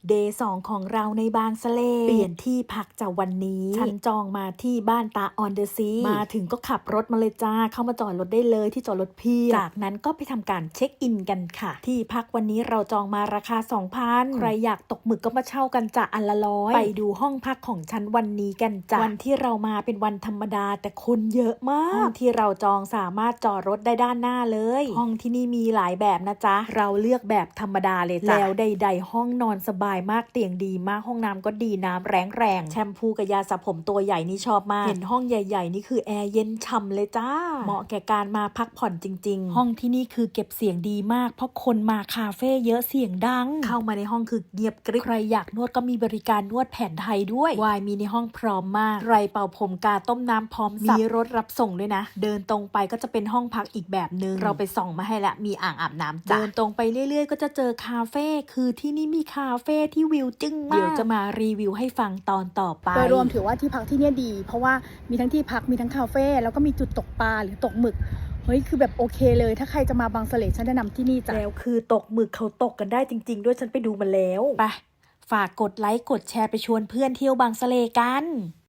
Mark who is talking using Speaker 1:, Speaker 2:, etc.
Speaker 1: เดย์2ของเราในบางสะเลเปลี่ยนที่พักจากวันนี้ฉันจองมาที่บ้านตาออนเดอะซีมาถึงก็ขับรถมาเลยจ้าเข้ามาจอดรถได้เลยที่จอดรถพี่จากนั้นก็ไปทำการเช็คอินกันค่ะที่พักวันนี้เราจองมาราคา 2,000 ใครอยากตกหมึกก็มาเช่ากันจ้ะอันละ100ไปดูห้องพักของฉันวันนี้กันจ้ะวันที่เรามาเป็นวันธรรมดาแต่คนเยอะมากห้องที่เราจองสามารถจอดรถได้ด้านหน้าเลยห้องที่นี่มีหลายแบบนะจ๊ะเราเลือกแบบธรรมดาเลยจ้ะแล้วใดๆห้องนอนสบายมากเตียงดีมากห้องน้ำก็ดีน้ำแรงแชมพูกับยาสระผมตัวใหญ่นี่ชอบมากเห็นห้องใหญ่ๆนี่คือแอร์เย็นฉ่ำเลยจ้าเหมาะแก่การมาพักผ่อนจริงๆห้องที่นี่คือเก็บเสียงดีมากเพราะคนมาคาเฟ่เยอะเสียงดังเข้ามาในห้องคือเงียบกริบใครอยากนวดก็มีบริการนวดแผนไทยด้วยวายมีในห้องพร้อมมากใครเป่าผมกาต้มน้ำพร้อมสับมีรถรับส่งด้วยนะเดินตรงไปก็จะเป็นห้องพักอีกแบบนึงเราไปส่องมาให้ละมีอ่างอาบน้ำจ้ะเดินตรงไปเรื่อยๆก็จะเจอคาเฟ่คือที่นี่มีคาเฟ่ที่วิวจึ้งมากเดี๋ยวจะมารีวิวให้ฟังตอนต่อไป
Speaker 2: โดยรวมถือว่าที่พักที่นี่ดีเพราะว่ามีทั้งที่พักมีทั้งคาเฟ่แล้วก็มีจุดตกปลาหรือตกหมึกเฮ้ยคือแบบโอเคเลยถ้าใครจะมาบางสะเลฉันแนะนำที่นี่จ้ะ
Speaker 1: แล้วคือตกหมึกเขาตกกันได้จริงๆด้วยฉันไปดูมาแล้วไปฝากกดไลค์กดแชร์ไปชวนเพื่อนเที่ยวบางสะเลกัน